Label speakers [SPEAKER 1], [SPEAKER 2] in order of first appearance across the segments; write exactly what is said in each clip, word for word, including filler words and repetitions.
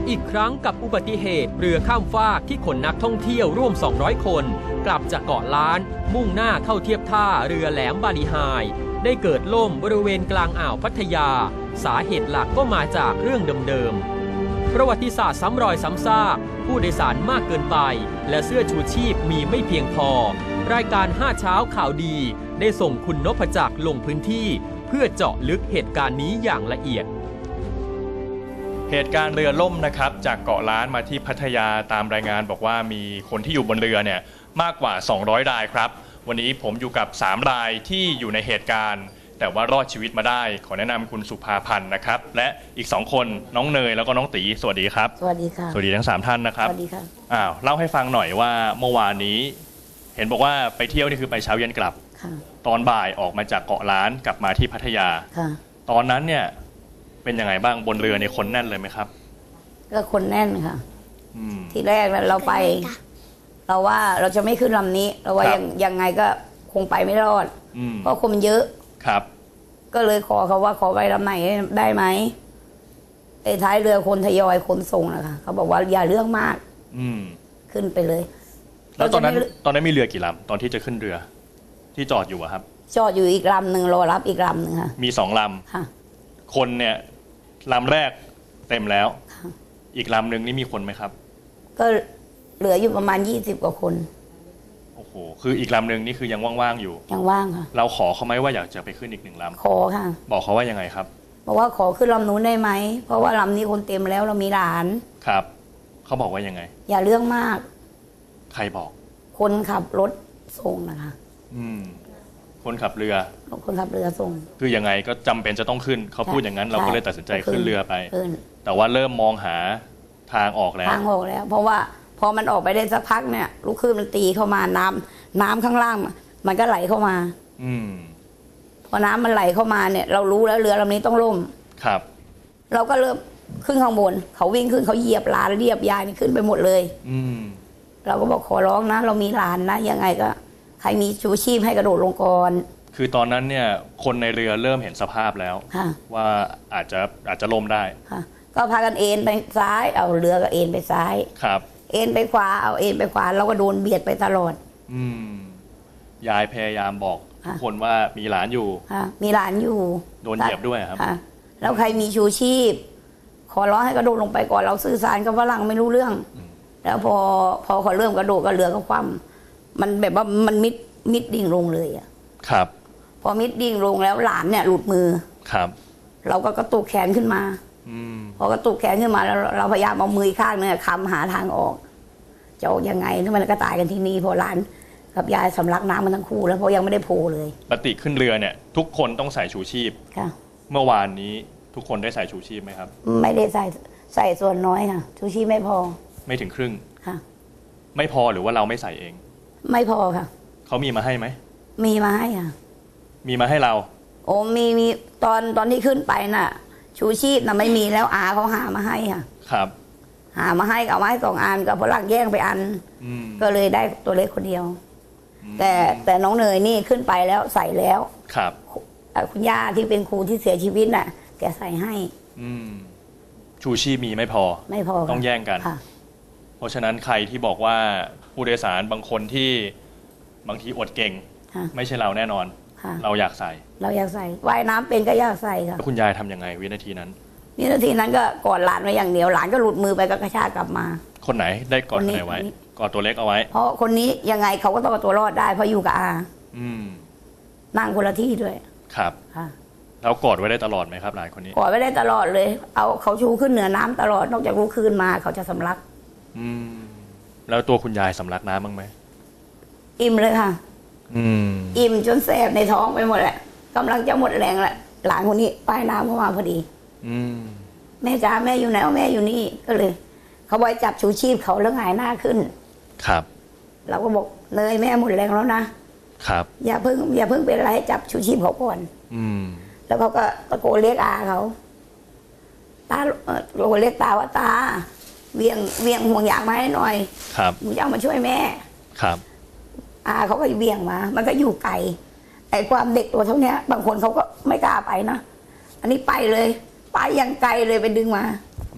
[SPEAKER 1] อีกครั้งกับอุบัติเหตุเรือข้ามฟากที่ขนนักท่องเที่ยวร่วมสองร้อยคนกลับจากเกาะล้านมุ่งหน้าเข้าเทียบท่าเรือแหลมบาลีไฮได้เกิดล่มบริเวณกลางอ่าวพัทยาสาเหตุหลักก็มาจากเรื่องเดิมๆประวัติศาสตร์ซ้ำรอยซ้ำซากผู้โดยสารมากเกินไปและเสื้อชูชีพมีไม่เพียงพอรายการห้าเช้าข่าวดีได้ส่งคุณนพจักรลงพื้นที่เพื่อเจาะลึกเหตุการณ์นี้อย่างละเอียด
[SPEAKER 2] เหตุการณ์เรือล่มนะครับจากเกาะล้านมาที่พัทยาตามรายงานบอกว่ามีคนที่อยู่บนเรือเนี่ยมากกว่าสองร้อยรายครับวันนี้ผมอยู่กับสามรายที่อยู่ในเหตุการณ์แต่ว่ารอดชีวิตมาได้ขอแนะนำคุณสุภาพันธ์นะครับและอีกสองคนน้องเนยแล้วก็น้องตีสวัสดีครับ
[SPEAKER 3] สวัสดีค่ะ
[SPEAKER 2] สวัสดีทั้งสามท่านนะครับ
[SPEAKER 3] สวัสดีค่ะ
[SPEAKER 2] อ้าวเล่าให้ฟังหน่อยว่าเมื่อวานนี้เห็นบอกว่าไปเที่ยวนี่คือไปเช้าเย็นกลับตอนบ่ายออกมาจากเกาะล้านกลับมาที่พัทยาตอนนั้นเนี่ยเป็นยังไงบ้างบนเรือในคนแน่นเลยไหมครับ
[SPEAKER 3] ก็คนแน่นค่ะทีแรกเราไปเราว่าเราจะไม่ขึ้นลำนี้เราว่ายังยังไงก็คงไปไม่รอดเพราะคนเยอะ
[SPEAKER 2] ครับ
[SPEAKER 3] ก็เลยขอเขาว่าขอไปลำไหนได้ไหมไอ้ท้ายเรือคนทยอยคนส่งนะคะเขาบอกว่าอย่าเรื่องมากขึ้นไปเลย
[SPEAKER 2] แล้วตอนนั้นตอนนั้นมีเรือกี่ลำตอนที่จะขึ้นเรือที่จอดอยู่อะครับ
[SPEAKER 3] จอดอยู่อีกลำหนึ่งรอรับอีกลำหนึ่งค่ะ
[SPEAKER 2] มีสองลำค่ะคนเนี่ยลำแรกเต็มแล้วอีกลำหนึ่งนี่มีคนไหมครับ
[SPEAKER 3] ก็เหลืออยู่ประมาณยี่สิบกว่าคน
[SPEAKER 2] โอ้โหคืออีกลำหนึ่งนี่คือยังว่างๆอยู่
[SPEAKER 3] ยังว่างค่ะ
[SPEAKER 2] เราขอเขาไหมว่าอยากจะไปขึ้นอีกหนึ่งลำ
[SPEAKER 3] ขอค่ะ
[SPEAKER 2] บอกเขาว่ายังไงครับ
[SPEAKER 3] บอกว่าขอขึ้นลำนู้นได้ไหมเพราะว่าลำนี้คนเต็มแล้วเรามีหลาน
[SPEAKER 2] ครับเขาบอกว่ายังไง
[SPEAKER 3] อย่าเรื่องมาก
[SPEAKER 2] ใครบอก
[SPEAKER 3] คนขับรถส่งนะคะ
[SPEAKER 2] อืมคนขับเรือ
[SPEAKER 3] คนขับเรือส่ง
[SPEAKER 2] คือยังไงก็จำเป็นจะต้องขึ้นเขาพูดอย่างนั้นเราก็เลยตัดสินใจขึ้นเรือไปแต่ว่าเริ่มมองหาทางออกแล้ว
[SPEAKER 3] ทางออกแล้วเพราะว่าพอมันออกไปได้สักพักเนี่ยลูกคลื่นมันตีเข้ามาน้ำน้ำข้างล่างมันก็ไหลเข้ามา
[SPEAKER 2] อืม
[SPEAKER 3] พอน้ำมันไหลเข้ามาเนี่ยเรารู้แล้วเรือลำนี้ต้องล่ม
[SPEAKER 2] ครับ
[SPEAKER 3] เราก็เริ่มขึ้นข้างบนเขาวิ่งขึ้นเขาเหยียบหลานเรียบยายนี่ขึ้นไปหมดเลย
[SPEAKER 2] อืม
[SPEAKER 3] เราก็บอกขอร้องนะเรามีหลานนะยังไงก็ใครมีชูชีพให้กระโดดลงก่อน
[SPEAKER 2] คือตอนนั้นเนี่ยคนในเรือเริ่มเห็นสภาพแล้วว่าอาจจะอาจจะล่มได้
[SPEAKER 3] ก็พากันเอ็นไปซ้ายเอาเรือก็เอ็นไปซ้าย
[SPEAKER 2] ครับ
[SPEAKER 3] เอ็นไปขวาเอาเอ็นไปขวาเราก็โดนเบียดไปตลอด
[SPEAKER 2] อืมยายพยายามบอกคนว่ามีหลานอยู่
[SPEAKER 3] มีหลานอยู่
[SPEAKER 2] โดนเหยียบด้วยครับ
[SPEAKER 3] แล้วใครมีชูชีพขอร้องให้กระโดดลงไปก่อนเราสื่อสารกับฝรั่งไม่รู้เรื่องแล้วพอพอเขาเริ่มกระโดดก็เรือก็คว่ำมันแบบว่ามันมิดมิดดิ่งลงเลยอ่ะ
[SPEAKER 2] ครับ
[SPEAKER 3] พอมิดดิ่งลงแล้วหลานเนี่ยหลุดมือ
[SPEAKER 2] ครับ
[SPEAKER 3] เราก็กระตุกแขนขึ้นมาพอกระตุกแขนขึ้นมาแล้วเราพยายามเอามือข้างเนี่ยค้ำหาทางออกจะออกยังไงถ้ามันก็ตายกันที่นี่พอหลานกับยายสำลักน้ำมันทั้งคู่แล้วเพราะยังไม่ได้โผล่เลย
[SPEAKER 2] ปกติขึ้นเรือเนี่ยทุกคนต้องใส่ชูชีพ
[SPEAKER 3] ค่ะ
[SPEAKER 2] เมื่อวานนี้ทุกคนได้ใส่ชูชีพไหมครับ
[SPEAKER 3] ไม่ได้ใส่ใส่ส่วนน้อยค่ะชูชีพไม่พอ
[SPEAKER 2] ไม่ถึงครึ่ง
[SPEAKER 3] ค่ะ
[SPEAKER 2] ไม่พอหรือว่าเราไม่ใส่เอง
[SPEAKER 3] ไม่พอค่ะ
[SPEAKER 2] เขามีมาให้ไหม
[SPEAKER 3] มีมาให้ค่ะ
[SPEAKER 2] มีมาให้เรา
[SPEAKER 3] โอ้มีมีตอนตอนที่ขึ้นไปน่ะชูชีพน่ะไม่มีแล้วอาเขาหามาให้ค่ะ
[SPEAKER 2] ครับ
[SPEAKER 3] หามาให้เอามาให้สองอันกับฝรั่งแย่งไปอันก็เลยได้ตัวเล็กคนเดียวแต่แต่น้องเนยนี่ขึ้นไปแล้วใส่แล้ว
[SPEAKER 2] ครับ
[SPEAKER 3] คุณย่าที่เป็นครูที่เสียชีวิตน่ะแกใส่ให้
[SPEAKER 2] อืมชูชีพมีไม่พอ
[SPEAKER 3] ไม่พอ
[SPEAKER 2] ต้องแย่งกันเพราะฉะนั้นใครที่บอกว่าผู้โดยสารบางคนที่บางทีอดเก่งไม่ใช่เราแน่นอนเราอยากใส่
[SPEAKER 3] เราอยากใส่ว่ายน้ำเป็นก็อยากใส่ค่ะ
[SPEAKER 2] คุณยายทำยังไงวินาทีนั้น
[SPEAKER 3] วินาทีนั้นก็กอดหลานไว้อย่างเดียวหลานก็หลุดมือไปก็กระชากกลับมา
[SPEAKER 2] คนไหนได้กอดไหนไว้กอดตัวเล็กเอาไว้
[SPEAKER 3] เพราะคนนี้ยังไงเขาก็ต้องเอาตัวรอดได้เพราะอยู่กับอา
[SPEAKER 2] อืม
[SPEAKER 3] นั่งคนละที่ด้วย
[SPEAKER 2] ครับ
[SPEAKER 3] ค่ะ
[SPEAKER 2] แล้วกอดไว้ได้ตลอดไหมครับหลานคนนี้
[SPEAKER 3] กอดไว้ได้ตลอดเลยเอาเขาชูขึ้นเหนือน้ำตลอดนอกจากลุกคืนมาเขาจะสำลัก
[SPEAKER 2] อืมแล้วตัวคุณยายสำลักน้ำบ้างไหม
[SPEAKER 3] อิ่มเลยค่ะ
[SPEAKER 2] อืม
[SPEAKER 3] อิ่มจนแสบในท้องไปหมดแหละกำลังจะหมดแรงแหละหลานคนนี้ป้ายน้ำเข้ามาพอดี
[SPEAKER 2] อืม
[SPEAKER 3] แม่จ๋าแม่อยู่ไหนแม่อยู่นี่ก็เลยเขาไว้จับชูชีพเขาแล้วหงายหน้าขึ้น
[SPEAKER 2] ครับ
[SPEAKER 3] เราก็บอกเนยแม่หมดแรงแล้วนะครับอย่าเพิ่งอย่าเพิ่งเป็นอะไรจับชูชีพเขาก่อน
[SPEAKER 2] อืม
[SPEAKER 3] แล้วเขาก็ตะโกนเรียกอาเขาตาตะโกนเรียกตาว่าตาเวียงเวียงห่วงยางมาให้หน่อย
[SPEAKER 2] ครับ
[SPEAKER 3] มึงจะเอามาช่วยแม่
[SPEAKER 2] ครับ
[SPEAKER 3] อาเขาก็เวียงมามันก็อยู่ไกลไอ้ความเด็กตัวเท่านี้บางคนเขาก็ไม่กล้าไปนะอันนี้ไปเลยไปยังไกลเลยไปดึงมา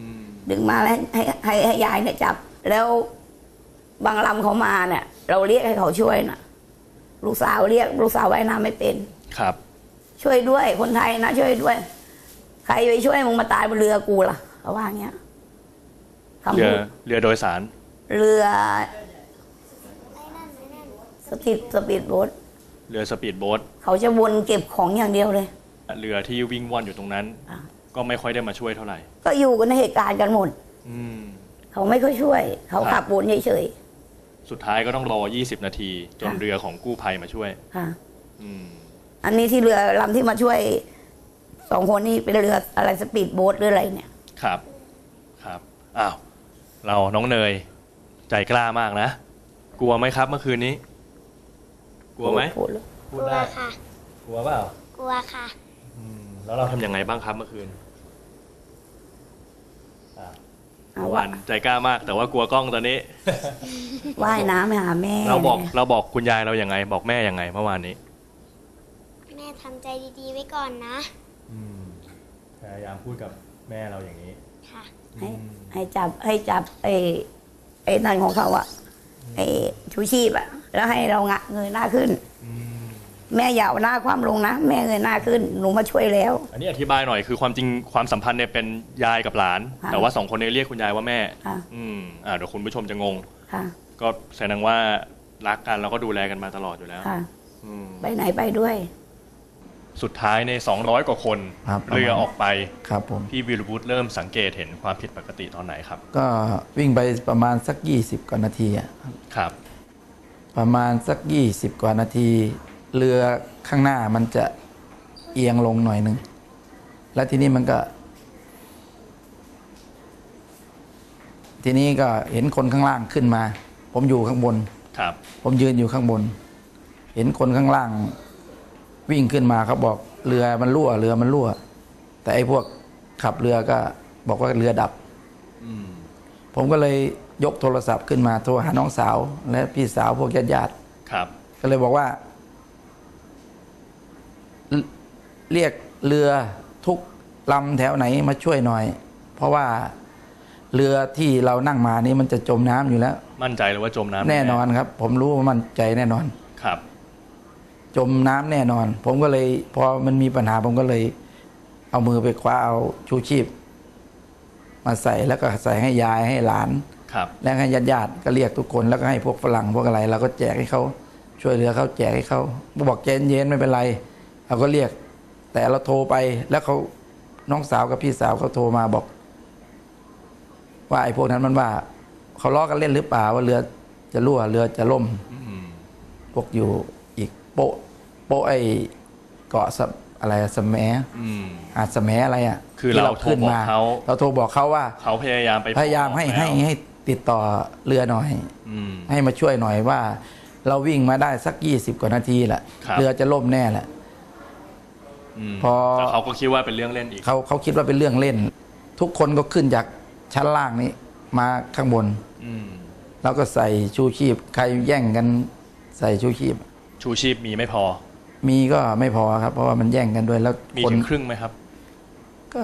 [SPEAKER 3] ดึงมาแล้วให้ให้ให้ยายเนี่ยจับ แล้วบางลำเขามาเนี่ย เราเรียกให้เขาช่วยน่ะ ลูกสาวเรียกลูกสาวว่ายน้ำไม่เป็น
[SPEAKER 2] ครับ
[SPEAKER 3] ช่วยด้วยคนไทยนะช่วยด้วย ใครไปช่วยมึงมาตายบนเรือกูล่ะเขาว่าอย่างเงี้ย
[SPEAKER 2] เรือเรือโดยสาร
[SPEAKER 3] เรือสปีดสปีดโบ๊ท
[SPEAKER 2] เรือสปีดโบ๊ท
[SPEAKER 3] เขาจะวนเก็บของอย่างเดียวเลย
[SPEAKER 2] เรือที่วิ่งว่อนอยู่ตรงนั้นก็ไม่ค่อยได้มาช่วยเท่าไหร่
[SPEAKER 3] ก็อยู่กันในเหตุการณ์กันหมดเขาไม่ค่อยช่วยเขาขับวนเฉย
[SPEAKER 2] ๆสุดท้ายก็ต้องรอยี่สิบนาทีจนเรือของกู้ภัยมาช่วย
[SPEAKER 3] ค่ะอันนี้ที่เรือลำที่มาช่วยสองคนนี้เป็นเรืออะไรสปีดโบ๊ทหรืออะไรเนี่ย
[SPEAKER 2] ครับครับอ้าวเราน้องเนยใจกล้ามากนะกลัวไหมครับเมื่อคืนนี้กลัวไหม
[SPEAKER 3] พูด
[SPEAKER 2] ได้ค่ะกลัวเปล่า
[SPEAKER 4] กลัวค่ะ
[SPEAKER 2] แล้วเราทำยังไงบ้างครับเมื่อคืนวันใจกล้ามากแต่ว่ากลัวกล้องตอนนี้
[SPEAKER 3] ว่ายน้ำไปหาแม่
[SPEAKER 2] เราบอกเราบอกคุณยายเราอย่างไงบอกแม่ยังไงเมื่อวานนี้
[SPEAKER 4] แม่ทำใจดีๆไว้ก่อนนะ
[SPEAKER 2] พยายามพูดกับแม่เราอย่างนี้
[SPEAKER 4] ค่ะ
[SPEAKER 3] ให้ให้จับให้จับไอ้ไอ้นั่นของเขาอะไอ้ชูชีพอะแล้วให้เรางะเงยหน้าขึ้นแม่อย่าเอาหน้าความลงนะแม่เงยหน้าขึ้นหนูมาช่วยแล้ว
[SPEAKER 2] อันนี้อธิบายหน่อยคือความจริงความสัมพันธ์เนี่ยเป็นยายกับหลานแต่ว่าสองคนนี้เรียกคุณยายว่าแม่อืมอ่าเดี๋ยวคุณผู้ชมจะงงก็แสดงว่ารักกันแล้วก็ดูแลกันมาตลอดอยู่แล้ว
[SPEAKER 3] ไปไหนไปด้วย
[SPEAKER 2] สุดท้ายในสองร้อยกว่าคนเรือออกไป
[SPEAKER 5] ครับผม
[SPEAKER 2] พี่วีรวุฒิเริ่มสังเกตเห็นความผิดปกติตอนไหนครับ
[SPEAKER 5] ก็วิ่งไปประมาณสักยี่สิบกว่านาทีอ่ะ
[SPEAKER 2] ครับ
[SPEAKER 5] ประมาณสักยี่สิบกว่านาทีเรือข้างหน้ามันจะเอียงลงหน่อยหนึ่งแล้วทีนี้มันก็ทีนี้ก็เห็นคนข้างล่างขึ้นมาผมอยู่ข้างบน
[SPEAKER 2] ครับ
[SPEAKER 5] ผมยืนอยู่ข้างบนเห็นคนข้างล่างวิ่งขึ้นมาเขาบอกเรือมันรั่วเรือมันรั่วแต่ไอ้พวกขับเรือก็บอกว่าเรือดับผมก็เลยยกโทรศัพท์ขึ้นมาโทรหาน้องสาวและพี่สาวพวกญาติ
[SPEAKER 2] ๆครับ
[SPEAKER 5] ก็เลยบอกว่าเรียกเรือทุกลำแถวไหนมาช่วยหน่อยเพราะว่าเรือที่เรานั่งมานี้มันจะจมน้ำอยู่แล้ว
[SPEAKER 2] มั่นใจเลยว่าจมน้ำ
[SPEAKER 5] แน่นอนครับผมรู้ว่ามั่นใจแน่นอน
[SPEAKER 2] ครับ
[SPEAKER 5] จมน้ำแน่นอนผมก็เลยพอมันมีปัญหาผมก็เลยเอามือไปคว้าเอาชูชีพมาใส่แล้วก็ใส่ให้ยายให้หลานแล้วให้ญาติญาติก็เรียกทุกคนแล้วก็ให้พวกฝรั่งพวกอะไรเราก็แจกให้เขาช่วยเหลือเขาแจกให้เขาบอกเจนเย็นไม่เป็นไรเราก็เรียกแต่เราโทรไปแล้วเขาน้องสาวกับพี่สาวเขาโทรมาบอกว่าไอ้พวกนั้นมันว่าเขาล้อกันเล่นหรือเปล่าว่าเรือจะรั่วเรือจะล่มพวกอยู่อีกโปะโปะไอ้เกาะอะไรสแมอาจสแมอะไรอ่ะ
[SPEAKER 2] คือเราโทรบอกเขา
[SPEAKER 5] เราโทรบอกเขาว่า
[SPEAKER 2] เขาพยายามไป
[SPEAKER 5] พยายามให้ให้ให้ติดต่อเรือหน่อยให้มาช่วยหน่อยว่าเราวิ่งมาได้สักยี่สิบกว่านาทีแหละเรือจะล่มแน่แหละ
[SPEAKER 2] พอเขาก็คิดว่าเป็นเรื่องเล่นอีก
[SPEAKER 5] เขาเขาคิดว่าเป็นเรื่องเล่นทุกคนก็ขึ้นจากชั้นล่างนี้มาข้างบนแล้วก็ใส่ชูชีพใครแย่งกันใส่ชูชีพ
[SPEAKER 2] ชูชีพมีไม่พอ
[SPEAKER 5] มีก็ไม่พอครับเพราะว่ามันแย่งกันด้วยแล้ว
[SPEAKER 2] มีถึงครึ่งไหมครับ
[SPEAKER 5] ก็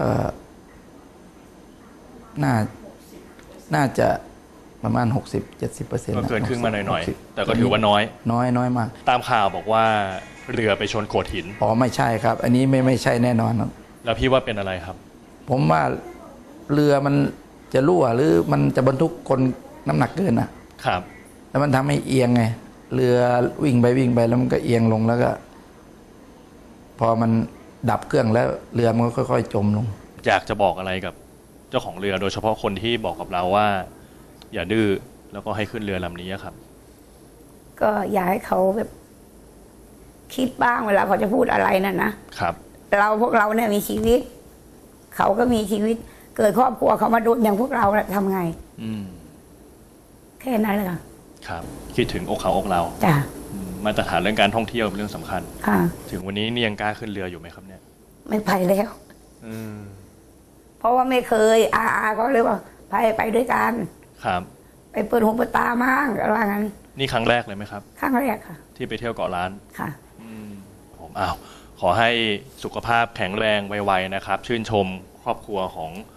[SPEAKER 5] น่าน่าจะประมาณ หกสิบเจ็ดสิบเปอร์เซ็นต์
[SPEAKER 2] ก็เกินครึ่งมาหน่อยๆแต่ก็ถือว่าน้อย
[SPEAKER 5] น้อยน้อยมาก
[SPEAKER 2] ตามข่าวบอกว่าเรือไปชนโขดหิน
[SPEAKER 5] อ๋อไม่ใช่ครับอันนี้ไม่ไม่ใช่แน่นอนครับ
[SPEAKER 2] แล้วพี่ว่าเป็นอะไรครับ
[SPEAKER 5] ผมว่าเรือมันจะรั่วหรือมันจะบรรทุกคนน้ำหนักเกินอ่ะ
[SPEAKER 2] ครับ
[SPEAKER 5] แล้วมันทำให้เอียงไงเรือวิ่งไปวิ่งไปแล้วมันก็เอียงลงแล้วก็พอมันดับเครื่องแล้วเรือมันก็ค่อยๆจมลง
[SPEAKER 2] อยากจะบอกอะไรกับเจ้าของเรือโดยเฉพาะคนที่บอกกับเราว่าอย่าดื้อแล้วก็ให้ขึ้นเรือลำนี้ครับ
[SPEAKER 3] ก็อยากให้เขาแบบคิดบ้างเวลาเขาจะพูดอะไรนั่นนะครับเราพวกเราเนี่ยมีชีวิตเขาก็มีชีวิตเกิดครอบครัวเขามาโดนอย่างพวกเราทำไง
[SPEAKER 2] อืม
[SPEAKER 3] แค่นั้นเลยค่ะ
[SPEAKER 2] ครับคิดถึงอกเขาอกเรา
[SPEAKER 3] จ้ะ
[SPEAKER 2] มาตรฐานเรื่องการท่องเที่ยวเป็นเรื่องสำคัญ
[SPEAKER 3] ค่ะ
[SPEAKER 2] ถึงวันนี้นี่ยังกล้าขึ้นเรืออยู่ไหมครับเนี่ย
[SPEAKER 3] ไม่ไปแล้ว
[SPEAKER 2] อืม
[SPEAKER 3] เพราะว่าไม่เคยอาอาเขาเลยว่าไปไปด้วยกัน
[SPEAKER 2] ครับ
[SPEAKER 3] ไปเปิดหูเปิดตามั่งอะไรงั้น
[SPEAKER 2] นี่ครั้งแรกเลยไหมครับ
[SPEAKER 3] ครั้งแรกค่ะ
[SPEAKER 2] ที่ไปเที่ยวเกาะล้าน
[SPEAKER 3] ค่ะ
[SPEAKER 2] อืมผมอ้าวขอให้สุขภาพแข็งแรงไวๆนะครับชื่นชมครอบครัวของ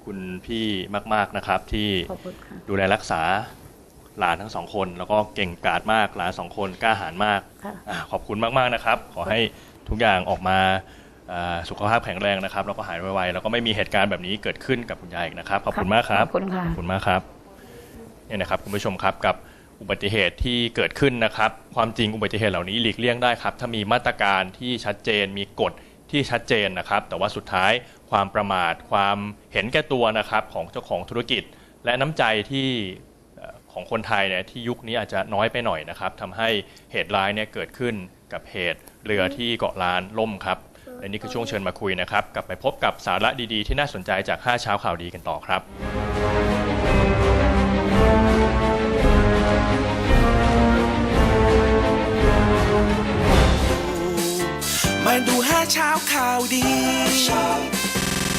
[SPEAKER 2] คุณพี่มากๆนะครับที่
[SPEAKER 3] ขอบคุณค่ะ
[SPEAKER 2] ดูแลรักษาหลานทั้งสองคน แล้วก็เก่งกาจมากหลานสองคนกล้าหาญมาก
[SPEAKER 3] ค่ะ
[SPEAKER 2] อ่าขอบคุณมากๆนะครับ ขอให้ทุกอย่างออกมาอ่าสุขภาพแข็งแรงนะครับแล้วก็หายไวๆแล้วก็ไม่มีเหตุการณ์แบบนี้เกิดขึ้นกับคุณยายอีกนะครับขอบคุณมากครับ
[SPEAKER 3] ขอบคุณค่ะ
[SPEAKER 2] ขอบคุณมากครับเนี่ยนะครับคุณผู้ชมครับกับอุบัติเหตุที่เกิดขึ้นนะครับ ความจริงอุบัติเหตุเหล่านี้หลีกเลี่ยงได้ครับถ้ามีมาตรการที่ชัดเจนมีกฎที่ชัดเจนนะครับ แต่ว่าสุดท้ายความประมาทความเห็นแก่ตัวนะครับของเจ้าของธุรกิจ และน้ำใจที่เอ่อของคนไทยเนี่ยที่ยุคนี้อาจจะน้อยไปหน่อยนะครับทำให้เหตุร้ายเนี่ยเกิดขึ้นกับเหตุเรือที่เกาะล้านล่มครับและนี่คือช่วงเชิญมาคุยนะครับกลับไปพบกับสาระดีๆที่น่าสนใจจากห้าเช้าข่าวดีกันต่อครับ
[SPEAKER 6] มาดูห้าเช้าข่าวดี